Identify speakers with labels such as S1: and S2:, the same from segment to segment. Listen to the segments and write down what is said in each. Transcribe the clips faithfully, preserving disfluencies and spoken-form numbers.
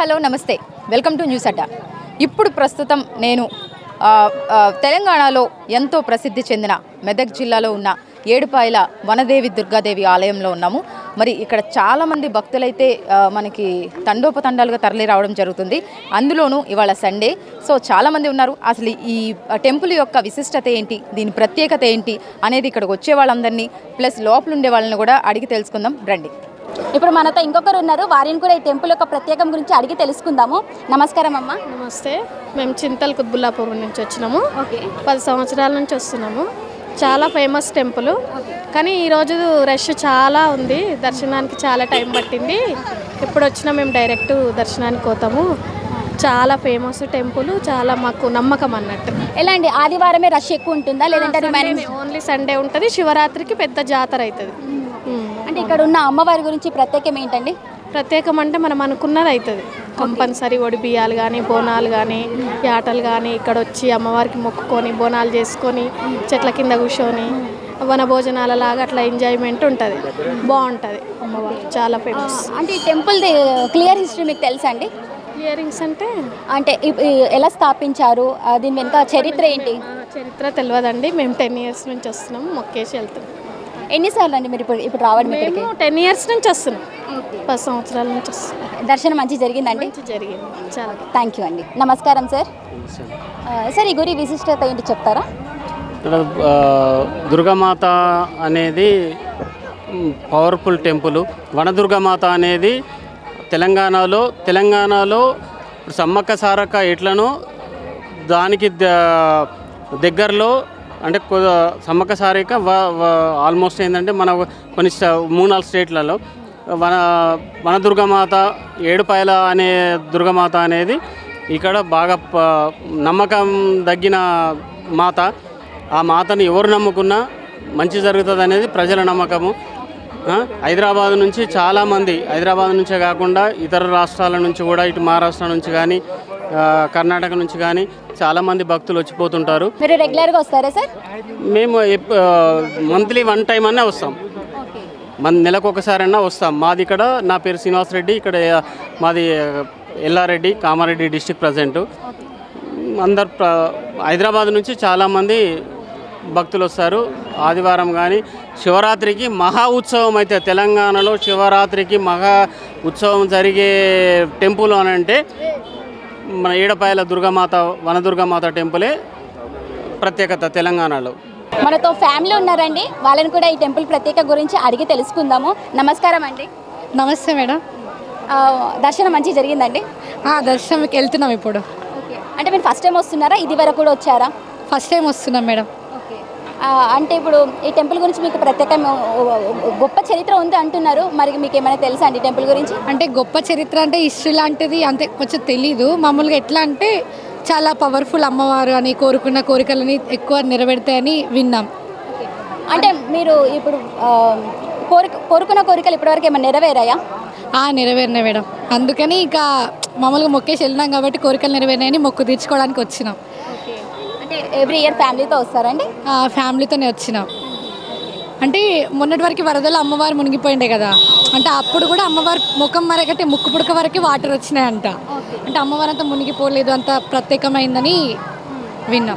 S1: Hello నమస్తే, welcome to news అడ్డా. ఇప్పుడు ప్రస్తుతం నేను తెలంగాణలో ఎంతో ప్రసిద్ధి చెందిన మెదక్ జిల్లాలో ఉన్న ఏడుపాయల వనదేవి దుర్గాదేవి ఆలయంలో ఉన్నాము. మరి ఇక్కడ చాలామంది భక్తులైతే మనకి తండోపతండాలుగా తరలి రావడం జరుగుతుంది. అందులోనూ ఇవాళ సండే, సో చాలామంది ఉన్నారు. అసలు ఈ టెంపుల్ యొక్క విశిష్టత ఏంటి, దీని ప్రత్యేకత ఏంటి అనేది ఇక్కడికి వచ్చే వాళ్ళందరినీ ప్లస్ లోపల ఉండే వాళ్ళని కూడా అడిగి తెలుసుకుందాం రండి.
S2: ఇప్పుడు మనతో ఇంకొకరు ఉన్నారు, వారిని కూడా ఈ టెంపుల్ యొక్క ప్రత్యేకం గురించి అడిగి తెలుసుకుందాము. నమస్కారం అమ్మ.
S3: నమస్తే. మేము చింతల్ కుత్బుల్లాపూర్ నుంచి వచ్చినాము. ఓకే, పది సంవత్సరాల నుంచి వస్తున్నాము. చాలా ఫేమస్ టెంపుల్, కానీ ఈరోజు రష్ చాలా ఉంది, దర్శనానికి చాలా టైం పట్టింది. ఎప్పుడు వచ్చినా మేము డైరెక్ట్ దర్శనానికి పోతాము. చాలా ఫేమస్ టెంపుల్, చాలా మాకు నమ్మకం అన్నట్టు.
S2: ఎలా అండి, ఆదివారమే రష్ ఎక్కువ ఉంటుందా లేదంటే
S3: ఓన్లీ సండే ఉంటుంది, శివరాత్రికి పెద్ద జాతర అవుతుంది.
S2: అంటే ఇక్కడ ఉన్న అమ్మవారి గురించి ప్రత్యేకం ఏంటండి?
S3: ప్రత్యేకం అంటే మనం అనుకున్నది అవుతుంది. కంపల్సరీ ఒడి బియ్యాలు కానీ, బోనాలు కానీ, యాటలు కానీ ఇక్కడ వచ్చి అమ్మవారికి మొక్కుకొని బోనాలు చేసుకొని చెట్ల కింద కూర్చొని వన భోజనాల లాగా అట్లా ఎంజాయ్మెంట్ ఉంటుంది, బాగుంటుంది. అమ్మవారు చాలా ఫేమస్.
S2: అంటే ఈ టెంపుల్ క్లియర్ హిస్టరీ మీకు తెలుసా అండి?
S3: క్లియరింగ్స్ అంటే
S2: అంటే ఎలా స్థాపించారు, దీని వెనుక చరిత్ర ఏంటి?
S3: చరిత్ర తెలియదండి. మేము టెన్ ఇయర్స్ నుంచి వస్తున్నాము, మొక్కేసి వెళ్తాం.
S2: ఎన్నిసార్లు అండి మీరు ఇప్పుడు ఇప్పుడు రావడం?
S3: మేము టెన్ ఇయర్స్ నుంచి వస్తున్నాం, పది సంవత్సరాల నుంచి వస్తున్నాం.
S2: దర్శనం మంచి జరిగిందండి?
S3: జరిగింది, చాలా.
S2: థ్యాంక్ యూ అండి. నమస్కారం సార్. సార్ ఈ గురి విశిష్టత ఏంటి చెప్తారా?
S4: ఇక్కడ దుర్గామాత అనేది పవర్ఫుల్ టెంపుల్. వనదుర్గామాత అనేది తెలంగాణలో తెలంగాణలో సమ్మక్క సారక్క ఎట్లనో దానికి దగ్గరలో అంటే సమ్మక్క సారక్క ఆల్మోస్ట్ ఏంటంటే మన కొన్ని మూడు నాలుగు స్టేట్లలో వన వనదుర్గామాత ఏడుపాయల అనే దుర్గామాత అనేది ఇక్కడ బాగా నమ్మకం తగ్గిన మాత. ఆ మాతను ఎవరు నమ్ముకున్నా మంచి జరుగుతుంది అనేది ప్రజల నమ్మకము. హైదరాబాద్ నుంచి చాలామంది, హైదరాబాద్ నుంచే కాకుండా ఇతర రాష్ట్రాల నుంచి కూడా, ఇటు మహారాష్ట్ర నుంచి కానీ కర్ణాటక నుంచి కానీ చాలామంది భక్తులు వచ్చిపోతుంటారు.
S2: మీరు రెగ్యులర్గా వస్తారా సార్?
S4: మేము మంత్లీ వన్ టైం అన్నా వస్తాం, మన నెలకు ఒకసారైనా వస్తాం. మాది ఇక్కడ, నా పేరు శ్రీనివాస్ రెడ్డి, ఇక్కడ మాది ఎల్లారెడ్డి, కామారెడ్డి డిస్టిక్ ప్రజెంట్. అందరు హైదరాబాద్ నుంచి చాలామంది భక్తులు వస్తారు. ఆదివారం కానీ శివరాత్రికి మహా ఉత్సవం అయితే తెలంగాణలో శివరాత్రికి మహా ఉత్సవం జరిగే టెంపుల్ అని అంటే మన ఏడుపాయల దుర్గామాత వనదుర్గామాత టెంపులే ప్రత్యేకత తెలంగాణలో.
S2: మనతో ఫ్యామిలీ ఉన్నారండి, వాళ్ళని కూడా ఈ టెంపుల్ ప్రత్యేక గురించి అడిగి తెలుసుకుందాము. నమస్కారం అండి.
S5: నమస్తే మేడం.
S2: దర్శనం మంచిగా జరిగిందండి?
S5: దర్శనంకి వెళ్తున్నాం ఇప్పుడు.
S2: ఓకే, అంటే మీరు ఫస్ట్ టైం వస్తున్నారా, ఇది వరకు కూడా వచ్చారా?
S5: ఫస్ట్ టైం వస్తున్నాం మేడం.
S2: ఓకే, అంటే ఇప్పుడు ఈ టెంపుల్ గురించి మీకు ప్రత్యేక గొప్ప చరిత్ర ఉంది అంటున్నారు, మరి మీకు ఏమైనా తెలుసా అండి టెంపుల్ గురించి?
S5: అంటే గొప్ప చరిత్ర అంటే హిస్టరీ లాంటిది అంతే కొంచెం తెలీదు. మామూలుగా ఎట్లా అంటే చాలా పవర్ఫుల్ అమ్మవారు అని, కోరుకున్న కోరికలని ఎక్కువ నెరవేరుతాయని విన్నాం.
S2: అంటే మీరు ఇప్పుడు కోరిక కోరుకున్న కోరికలు ఇప్పటివరకు ఏమైనా నెరవేరాయా?
S5: నెరవేరినాయి మేడం. అందుకని ఇక మామూలుగా మొక్కేసి వెళ్ళినాం కాబట్టి కోరికలు నెరవేరినాయని మొక్కు తీర్చుకోవడానికి వచ్చినాం.
S2: అంటే ఎవ్రీ ఇయర్ ఫ్యామిలీతో వస్తారండి?
S5: ఫ్యామిలీతోనే వచ్చినాం. అంటే మొన్నటి వరకు వరదలు అమ్మవారు మునిగిపోయిండే కదా, అంటే అప్పుడు కూడా అమ్మవారి ముఖం వరకంటే ముక్కు పుడక వరకు వాటర్ వచ్చినాయంట. అంటే అమ్మవారు అంతా మునిగిపోలేదు, అంత ప్రత్యేకమైందని విన్నాం.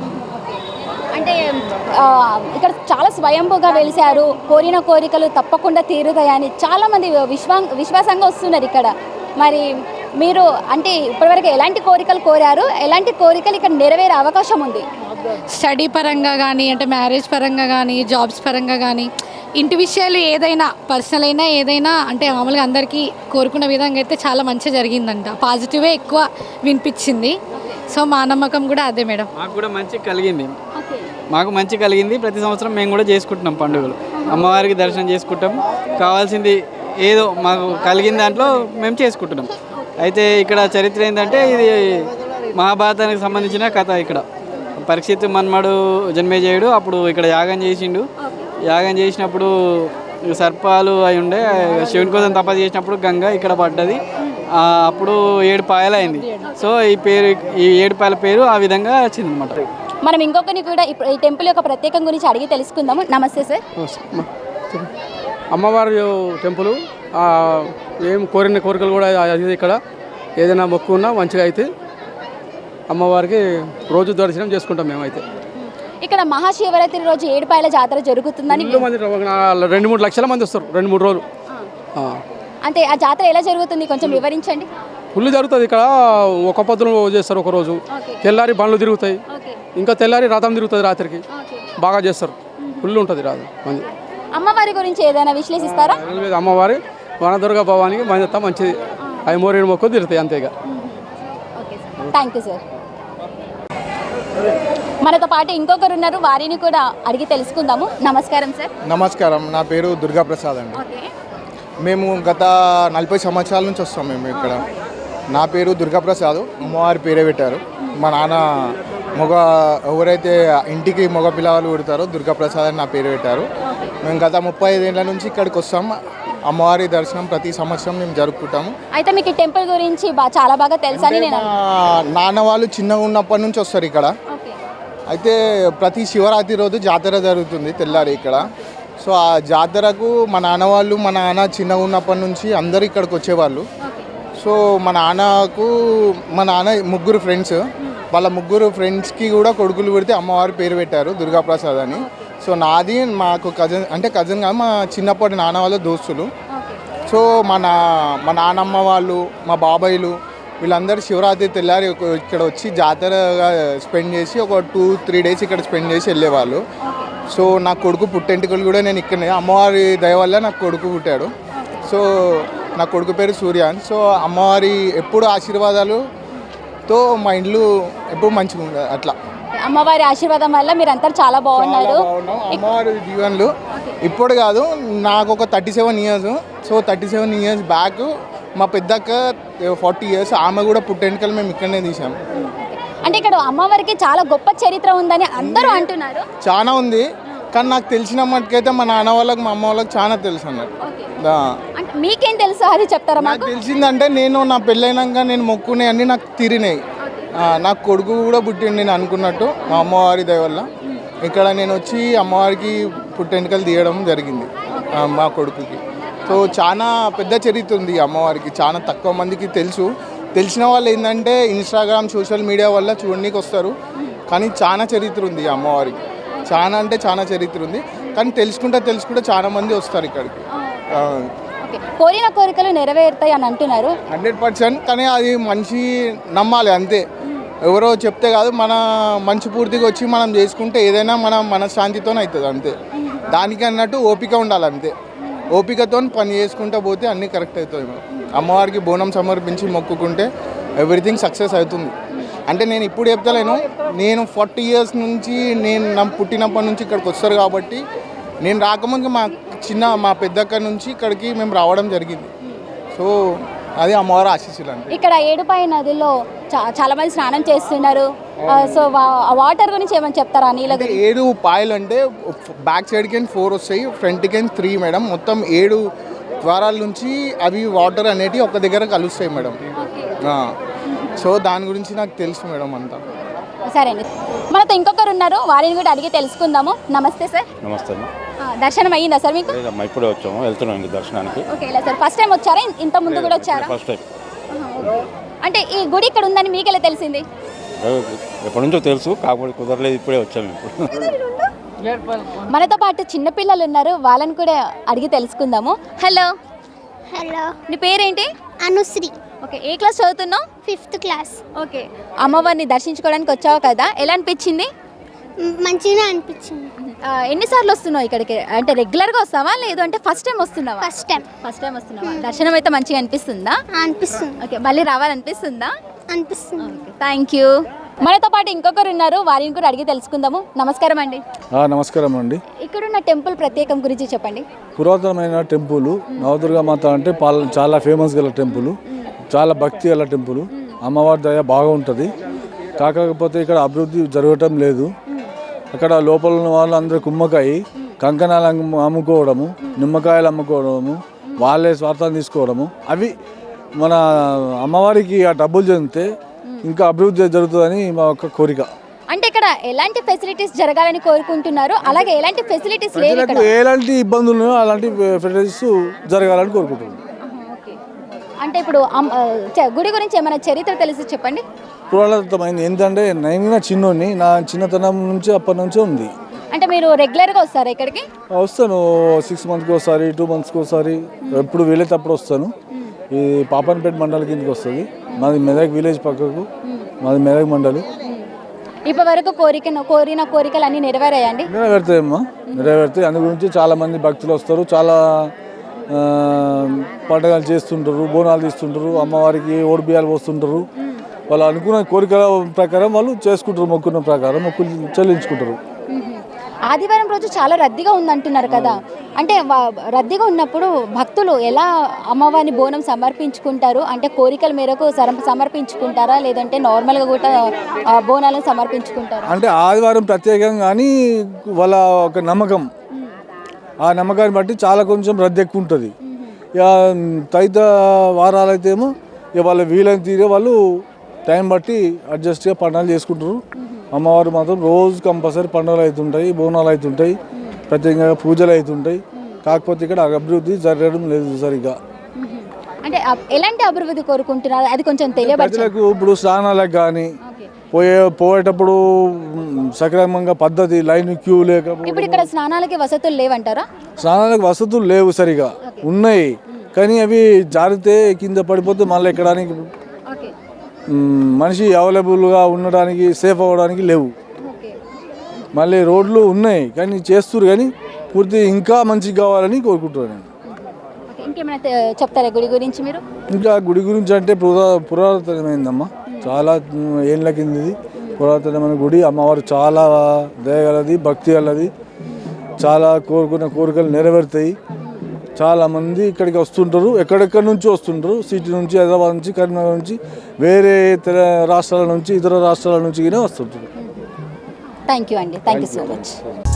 S2: అంటే ఇక్కడ చాలా స్వయంభూగా వెలిశారు, కోరిన కోరికలు తప్పకుండా తీరుతాయని చాలామంది విశ్వా విశ్వాసంగా వస్తున్నారు ఇక్కడ. మరి మీరు అంటే ఇప్పటివరకు ఎలాంటి కోరికలు కోరారు, ఎలాంటి కోరికలు ఇక్కడ నెరవేరే అవకాశం ఉంది?
S5: స్టడీ పరంగా కానీ, అంటే మ్యారేజ్ పరంగా కానీ, జాబ్స్ పరంగా కానీ, ఇంటి విషయాలు ఏదైనా పర్సనల్ అయినా ఏదైనా అంటే మామూలుగా అందరికీ కోరుకున్న విధంగా అయితే చాలా మంచిగా జరిగిందంట. పాజిటివే ఎక్కువ వినిపించింది. సో మా నమ్మకం కూడా అదే మేడం.
S6: మాకు కూడా మంచి కలిగింది, మాకు మంచి కలిగింది. ప్రతి సంవత్సరం మేము కూడా చేసుకుంటున్నాం పండుగలు, అమ్మవారికి దర్శనం చేసుకుంటాం. కావాల్సింది ఏదో మాకు కలిగిన దాంట్లో మేము చేసుకుంటున్నాం. అయితే ఇక్కడ చరిత్ర ఏంటంటే ఇది మహాభారతానికి సంబంధించిన కథ. ఇక్కడ పరీక్షిత్ మన్మడు జన్మేజయుడు అప్పుడు ఇక్కడ యాగం చేసిండు. యాగం చేసినప్పుడు సర్పాలు అయి ఉండే, శివుని కోసం తపస్సు చేసినప్పుడు గంగ ఇక్కడ పడ్డది. అప్పుడు ఏడు పాయలు అయింది. సో ఈ పేరు, ఈ ఏడు పాయల పేరు ఆ విధంగా వచ్చిందనమాట.
S2: మనం ఇంకొకరిని కూడా ఈ టెంపుల్ యొక్క ప్రత్యేకం గురించి అడిగి తెలుసుకుందాము. నమస్తే సార్.
S7: అమ్మవారి టెంపుల్, ఏం కోరిన కోరికలు కూడా ఇక్కడ ఏదైనా మొక్కు ఉన్నా మంచిగా అయితే అమ్మవారికి రోజు దర్శనం చేసుకుంటాం మేమైతే.
S2: ఇక్కడ మహాశివరాత్రి రోజు ఏడుపాయల జాతర జరుగుతుందని
S7: ఫుల్ మంది రెండు మూడు లక్షల మంది వస్తారు రెండు మూడు రోజులు. ఆ.
S2: అంటే ఆ జాతర ఎలా జరుగుతుంది కొంచెం వివరించండి.
S7: ఫుల్ జరుగుతుంది ఇక్కడ. ఒక పొద్దులు చేస్తారు ఒక రోజు, తెల్లారి బండ్లు తిరుగుతాయి, ఇంకా తెల్లారి రథం తిరుగుతుంది రాత్రికి, బాగా చేస్తారు. ఫుల్ ఉంటుంది రాదు మంది.
S2: అమ్మవారి గురించి ఏదైనా విశ్లేషిస్తారా?
S7: అమ్మవారి వనదుర్గ భవానికి మంది మంచిది, అవి మోరేడు మొక్కు తిరుగుతాయి అంతేగా.
S2: Thank you sir. మనతో పాటు ఇంకొకరు ఉన్నారు, వారిని కూడా అడిగి తెలుసుకుందాము. నమస్కారం సార్.
S8: నమస్కారం, నా పేరు దుర్గాప్రసాద్ అండి. మేము గత నలభై సంవత్సరాల నుంచి వస్తాం మేము ఇక్కడ. నా పేరు దుర్గాప్రసాద్, అమ్మవారి పేరే పెట్టారు. మా నాన్న మగ ఎవరైతే ఇంటికి మగ పిల్లలు పుడతారో దుర్గాప్రసాద్ అని నా పేరు పెట్టారు. మేము గత ముప్పై ఐదేళ్ల నుంచి ఇక్కడికి వస్తాం. అమ్మవారి దర్శనం ప్రతి సంవత్సరం మేము జరుపుకుంటాము.
S2: అయితే మీకు ఈ టెంపుల్ గురించి బా- చాలా బాగా తెలుసని నేను
S8: నాన్న వాళ్ళు చిన్నగా ఉన్నప్పటి నుంచి వస్తారు ఇక్కడ. అయితే ప్రతి శివరాత్రి రోజు జాతర జరుగుతుంది తెల్లారి ఇక్కడ. సో ఆ జాతరకు మా నాన్న వాళ్ళు మా నాన్న చిన్నగా ఉన్నప్పటి నుంచి అందరు ఇక్కడికి వచ్చేవాళ్ళు. సో మా నాన్నకు మా నాన్న ముగ్గురు ఫ్రెండ్స్, వాళ్ళ ముగ్గురు ఫ్రెండ్స్కి కూడా కొడుకులు పెడితే అమ్మవారి పేరు పెట్టారు దుర్గాప్రసాద్ అని. సో నాది మాకు కజిన్ అంటే కజిన్ కాదు, మా చిన్నప్పటి నాన్న వాళ్ళ దోస్తులు. సో మా నా మా నాన్నమ్మ వాళ్ళు మా బాబాయిలు వీళ్ళందరూ శివరాత్రి తెల్లారి ఇక్కడ వచ్చి జాతరగా స్పెండ్ చేసి ఒక టూ త్రీ డేస్ ఇక్కడ స్పెండ్ చేసి వెళ్ళేవాళ్ళు. సో నా కొడుకు పుట్టెంటుకలు కూడా నేను ఇక్కడనే అమ్మవారి దయ వల్ల నాకు కొడుకు పుట్టాడు. సో నా కొడుకు పేరు సూర్యాన్. సో అమ్మవారి ఎప్పుడు ఆశీర్వాదాలుతో మా ఇండ్లు ఎప్పుడు మంచిగా ఉండదు అట్లా.
S2: అమ్మవారి ఆశీర్వాదం వల్ల మీరు అంతా చాలా బాగున్నారు.
S8: అమ్మవారి జీవన్లు ఇప్పుడు కాదు, నాకు ఒక thirty seven years. So thirty seven years back మా పెద్దక్క ఫార్టీ ఇయర్స్, ఆమె కూడా పుట్టెంటుకలు మేము ఇక్కడనే తీసాము.
S2: అంటే ఇక్కడ అమ్మవారికి చాలా గొప్ప చరిత్ర ఉందని అందరూ అంటున్నారు.
S8: చాలా ఉంది, కానీ నాకు తెలిసిన మటుకైతే మా నాన్న వాళ్ళకి మా అమ్మ వాళ్ళకి చాలా తెలుసు అన్నారు.
S2: అంటే మీకేం తెలుసు అది చెప్తారా?
S8: నాకు తెలిసిందంటే నేను నా పెళ్ళైనాక నేను మొక్కునే అన్నీ నాకు తీరినాయి. నాకు కొడుకు కూడా పుట్టిండు నేను అనుకున్నట్టు మా అమ్మవారి దయ వల్ల. ఇక్కడ నేను వచ్చి అమ్మవారికి పుట్టెంటుకలు తీయడం జరిగింది మా కొడుకుకి. సో చాలా పెద్ద చరిత్ర ఉంది అమ్మవారికి, చాలా తక్కువ మందికి తెలుసు. తెలిసిన వాళ్ళు ఏంటంటే ఇన్స్టాగ్రామ్ సోషల్ మీడియా వల్ల చూడడానికి వస్తారు, కానీ చాలా చరిత్ర ఉంది అమ్మవారికి. చాలా అంటే చాలా చరిత్ర ఉంది, కానీ తెలుసుకుంటే తెలుసుకుంటే చాలా మంది వస్తారు ఇక్కడికి.
S2: కోరిన కోరికలు నెరవేరుతాయి అని అంటున్నారు.
S8: హండ్రెడ్ పర్సెంట్ కానీ అది మనిషి నమ్మాలి అంతే, ఎవరో చెప్తే కాదు. మన మంచి పూర్తిగా వచ్చి మనం చేసుకుంటే ఏదైనా మన మనశ్శాంతితో అవుతుంది అంతే. దానికి అన్నట్టు ఓపిక ఉండాలి అంతే. ఓపికతో పని చేసుకుంటూ పోతే అన్నీ కరెక్ట్ అవుతాయి. అమ్మవారికి బోనం సమర్పించి మొక్కుకుంటే ఎవ్రీథింగ్ సక్సెస్ అవుతుంది. అంటే నేను ఇప్పుడు చెప్తలేను, నేను ఫార్టీ ఇయర్స్ నుంచి నేను నా పుట్టినప్పటి నుంచి ఇక్కడికి వస్తారు కాబట్టి నేను రాకముందు మా చిన్న మా పెద్దక్క నుంచి ఇక్కడికి మేము రావడం జరిగింది. సో అది అమ్మవారి ఆశీస్సులు అంటే.
S2: ఇక్కడ ఏడుపాయ నదిలో చా- చాలా మంది స్నానం చేస్తున్నారు. ఆ, సో వా- ఆ వాటర్ గురించి ఏమని చెప్తారా? నీళ్ళ
S8: అంటే ఏడు పాయలు అంటే బ్యాక్ సైడ్కి ఫోర్ వస్తాయి, ఫ్రంట్కి త్రీ మేడం. మొత్తం ఏడు ద్వారాల నుంచి అవి వాటర్ అనేటివి ఒక దగ్గర కలుస్తాయి మేడం. సో దాని గురించి నాకు తెలుసు మేడం అంతా.
S2: సరే అండి, మనతో ఇంకొకరు ఉన్నారు, వారిని కూడా అడిగి తెలుసుకుందాము. నమస్తే సార్.
S9: నమస్తే.
S2: ఆ, దర్శనం అయ్యిందా సార్ మీకు?
S9: లేదమ్మా, ఇప్పుడే వచ్చాము, వెళ్తున్నాం ఇంక దర్శనానికి.
S2: ఓకే, ఇలా సార్ ఫస్ట్ టైం వచ్చారా? ఇంత ముందు కూడా వచ్చారా?
S9: First time.
S2: అంటే ఈ గుడి ఇక్కడ ఉందని మీకు ఎలా తెలిసింది?
S9: ఎప్పటి నుంచో తెలుసు, కాకపోతే కుదరలేదు, ఇప్పుడే వచ్చాము. ఇప్పుడు
S2: మనతో పాటు చిన్నపిల్లలు ఉన్నారు, వాళ్ళని కూడా అడిగి తెలుసుకుందాము. హలో.
S10: హలో,
S2: నీ పేరేంటి?
S10: అనుశ్రీ.
S2: ఓకే, ఏ క్లాస్ చదువుతున్నావు?
S10: Fifth class.
S2: ఓకే, అమ్మవారిని దర్శించుకోవడానికి వచ్చావు కదా, ఎలా అనిపించింది?
S10: మ్, మంచిగా అనిపించింది.
S2: ఆ, ఎన్నిసార్లు వస్తున్నావు ఇక్కడికి? అంటే రెగ్యులర్గా వస్తావా లేదు అంటే ఫస్ట్ టైం వస్తున్నావా?
S10: First time.
S2: ఫస్ట్ టైం వస్తున్నావా? దర్శనం అయితే మంచిగా అనిపిస్తుందా?
S10: అనిపిస్తుంది.
S2: ఓకే, మళ్ళీ రావాలనిపిస్తుందా?
S10: అనిపిస్తుంది.
S2: Thank you. మనతో పాటు ఇంకొకరు ఉన్నారు, వారిని కూడా అడిగి తెలుసుకుందాము. నమస్కారం అండి.
S11: నమస్కారం అండి.
S2: ఇక్కడున్న టెంపుల్ ప్రత్యేకం గురించి చెప్పండి.
S11: పురాతనమైన టెంపుల్ నవదుర్గా మాత అంటే పాల చాలా ఫేమస్ గల టెంపుల్, చాలా భక్తి గల టెంపుల్. అమ్మవారి దయ బాగా ఉంటుంది. కాకపోతే ఇక్కడ అభివృద్ధి జరగటం లేదు. అక్కడ లోపల ఉన్న వాళ్ళు అందరూ కుమ్మకాయి కంకణాలు అమ్ముకోవడము, నిమ్మకాయలు అమ్ముకోవడము, వాళ్ళే స్వార్థాన్ని తీసుకోవడము, అవి మన అమ్మవారికి ఆ డబ్బులు చెందితే ఇంకా అభివృద్ధి జరుగుతుందని మా యొక్క కోరిక.
S2: అంటే ఇక్కడ ఎలాంటి ఫెసిలిటీస్ జరగాలని కోరుకుంటున్నారు, అలాగే ఎలాంటి ఫెసిలిటీస్ లేవు ఇక్కడ?
S11: ఎలాంటి ఇబ్బందులు అలాంటి ఫెసిలిటీస్ జరగాలని కోరుకుంటున్నాను.
S2: అంటే ఇప్పుడు అమ్- ఆ, చ- గుడి గురించి ఏమైనా చరిత్ర తెలిసి చెప్పండి.
S11: పురాతనమైంది ఏంటంటే నేను చిన్నోడిని నా చిన్నతనం నుంచి అప్పటి నుంచే ఉంది.
S2: అంటే మీరు రెగ్యులర్గా వస్తారా ఇక్కడికి?
S11: వస్తాను సిక్స్ మంత్స్కి ఒకసారి టూ మంత్స్కి ఒకసారి ఎప్పుడు వీలైతేప్పుడు వస్తాను. ఈ పాపన్పేట మండలి కిందకి వస్తుంది. మాది మెదక్ విలేజ్ పక్కకు, మాది మెదక్ మండలి.
S2: ఇప్పటి వరకు కోరిక కోరిన కోరికలు అన్నీ నెరవేరాయండి?
S11: నెరవేరుతాయమ్మా, నెరవేరుతాయి. అందు గురించి చాలామంది భక్తులు వస్తారు, చాలా ఆ, పండుగలు చేస్తుంటారు, బోనాలు తీస్తుంటారు, అమ్మవారికి ఓడి బియ్యాలు పోస్తుంటారు. వాళ్ళు అనుకున్న కోరికల ప్రకారం వాళ్ళు చేసుకుంటారు, మొక్కున్న ప్రకారం మొక్కులు చెల్లించుకుంటారు.
S2: ఆదివారం రోజు చాలా రద్దీగా ఉందంటున్నారు కదా, అంటే వా- రద్దీగా ఉన్నప్పుడు భక్తులు ఎలా అమ్మవారిని బోనం సమర్పించుకుంటారు? అంటే కోరికల మేరకు సర- సమర్పించుకుంటారా లేదంటే నార్మల్గా కూడా ఆ, బోనాలను సమర్పించుకుంటారా?
S11: అంటే ఆదివారం ప్రత్యేకంగా కానీ వాళ్ళ ఒక నమ్మకం, ఆ నమ్మకాన్ని బట్టి చాలా కొంచెం రద్దీ ఎక్కువ ఉంటుంది. ఇక తదిత వారాలు అయితే ఏమో ఇక వాళ్ళ వీలైన తీరే వాళ్ళు టైం బట్టి అడ్జస్ట్గా పండుగలు చేసుకుంటారు. అమ్మవారు మాత్రం రోజు కంపల్సరీ పండుగలు అవుతుంటాయి, బోనాలు అవుతుంటాయి, ప్రత్యేకంగా పూజలు అవుతుంటాయి. కాకపోతే ఇక్కడ అభివృద్ధి జరగడం లేదు సరిగ్గా.
S2: అంటే అ- ఎలాంటి అభివృద్ధి కోరుకుంటున్నారు అది కొంచెం తెలియబరచండి.
S11: ప్రజలకు ఇప్పుడు స్నానాలకు కానీ పోయే పోయేటప్పుడు మ్, సక్రమంగా పద్ధతి లైన్ క్యూ లేకపోతే
S2: ఇప్పుడు ఇక్కడ స్నానాలకి వసతులు లేవంటారా?
S11: స్నానాలకు వసతులు లేవు, సరిగా ఉన్నాయి కానీ అవి జారితే కింద పడిపోతే మళ్ళీ ఎక్కడానికి మ్, మనిషి అవైలబుల్గా ఉండడానికి సేఫ్ అవ్వడానికి లేవు. మళ్ళీ రోడ్లు ఉన్నాయి కానీ చేస్తున్నారు కానీ పూర్తి ఇంకా మంచిగా కావాలని కోరుకుంటున్నాను నేను.
S2: ఓకే, ఇంకేమైనా తె- చెప్తారా గుడి గురించి మీరు?
S11: ఇంకా గుడి గురించి అంటే పురా పురాతనమైందమ్మా, చాలా ఏళ్ళ కిందది పురాతనమైన గుడి. అమ్మవారు చాలా దయగలది, భక్తి గలది, చాలా కోరుకున్న కోరికలు నెరవేరుతాయి. చాలామంది ఇక్కడికి వస్తుంటారు, ఎక్కడెక్కడి నుంచి వస్తుంటారు, సిటీ నుంచి, హైదరాబాద్ నుంచి, కరీంనగర్ నుంచి, వేరే తెల రాష్ట్రాల నుంచి, ఇతర రాష్ట్రాల నుంచి కూడా వస్తుంటారు.
S2: థ్యాంక్ యూ అండి, థ్యాంక్ యూ సో మచ్.